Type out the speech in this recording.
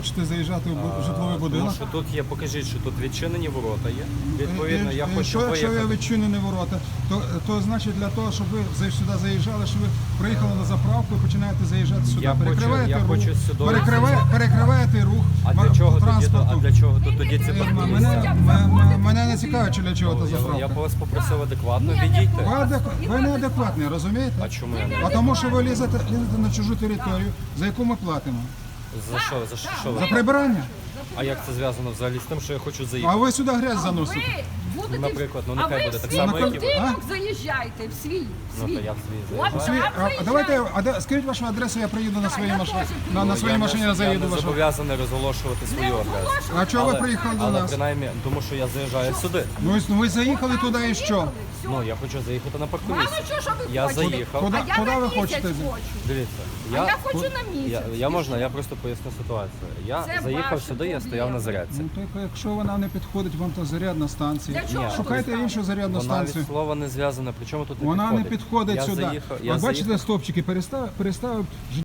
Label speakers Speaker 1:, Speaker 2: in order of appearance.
Speaker 1: хочете заїжджати в житловий будинок?
Speaker 2: Тому що тут є, покажіть, що тут відчинені ворота є. Відповідно, я хочу
Speaker 1: Що якщо ви
Speaker 2: виїхати.
Speaker 1: відчинені ворота, то значить для того, щоб ви сюди заїжджали, що ви приїхали на заправку і починаєте заїжджати сюди.
Speaker 2: Я хочу сюди.
Speaker 1: Перекриваєте рух
Speaker 2: А для чого тоді,
Speaker 1: транспорту.
Speaker 2: тоді ці парковки?
Speaker 1: Мене не цікавить, чи для чого та
Speaker 2: Я
Speaker 1: заправка.
Speaker 2: вас попросив адекватно відійти.
Speaker 1: Ви неадекватні, розумієте?
Speaker 2: А чому я не?
Speaker 1: А тому що ви лізете на чужу територію, за яку ми платимо.
Speaker 2: За що? За що
Speaker 1: За
Speaker 2: ви?
Speaker 1: прибирання.
Speaker 2: А як це зв'язано взагалі з тим, що я хочу
Speaker 1: А
Speaker 2: заїхати?
Speaker 1: ви сюди грязь заносите.
Speaker 3: Будете,
Speaker 2: Наприклад, ну,
Speaker 3: а
Speaker 2: нехай
Speaker 3: ви
Speaker 2: буде
Speaker 3: в
Speaker 2: так
Speaker 3: свій
Speaker 2: само, як і ви.
Speaker 3: будинок заїжджайте, в свій.
Speaker 2: Ну, то я в свій заїжджаю.
Speaker 3: От
Speaker 1: Свій-
Speaker 3: так
Speaker 1: давайте,
Speaker 3: заїжджайте.
Speaker 1: скажіть вашу адресу, я приїду на своїй
Speaker 3: я
Speaker 1: машині.
Speaker 3: теж
Speaker 1: На своїй машині я
Speaker 2: Я
Speaker 1: заїду
Speaker 2: не
Speaker 1: вашу.
Speaker 2: зобов'язаний розголошувати свою адресу.
Speaker 1: А чого ви приїхали до
Speaker 2: Але
Speaker 1: нас?
Speaker 2: принаймні, тому що я заїжджаю сюди.
Speaker 1: Ну, ви заїхали туди і що?
Speaker 2: Ну, я хочу заїхати на
Speaker 3: Мало
Speaker 2: паркомісце.
Speaker 3: чого, що ви
Speaker 2: Я
Speaker 3: хочете.
Speaker 2: заїхав.
Speaker 1: Куди-
Speaker 3: А я
Speaker 1: куди
Speaker 3: на
Speaker 1: ви
Speaker 3: місяць
Speaker 1: хочете?
Speaker 3: хочу.
Speaker 2: Дивіться,
Speaker 3: А я хочу на місяць.
Speaker 2: я просто поясню ситуацію. Я
Speaker 3: Це
Speaker 2: заїхав
Speaker 3: ваші
Speaker 2: сюди, я стояв
Speaker 3: проблеми.
Speaker 2: на зарядці.
Speaker 1: Ну, то якщо вона не підходить вам, то зарядна станція.
Speaker 3: Для чого
Speaker 1: Шукайте
Speaker 3: ви
Speaker 1: іншу зарядну
Speaker 2: Вона від
Speaker 1: станцію.
Speaker 2: слова не зв'язана. Причому тут не
Speaker 1: Вона
Speaker 2: підходить?
Speaker 1: не підходить
Speaker 2: Я
Speaker 1: сюди.
Speaker 2: заїхав- я
Speaker 1: От бачите,
Speaker 2: заїхав.
Speaker 1: стовпчики переставив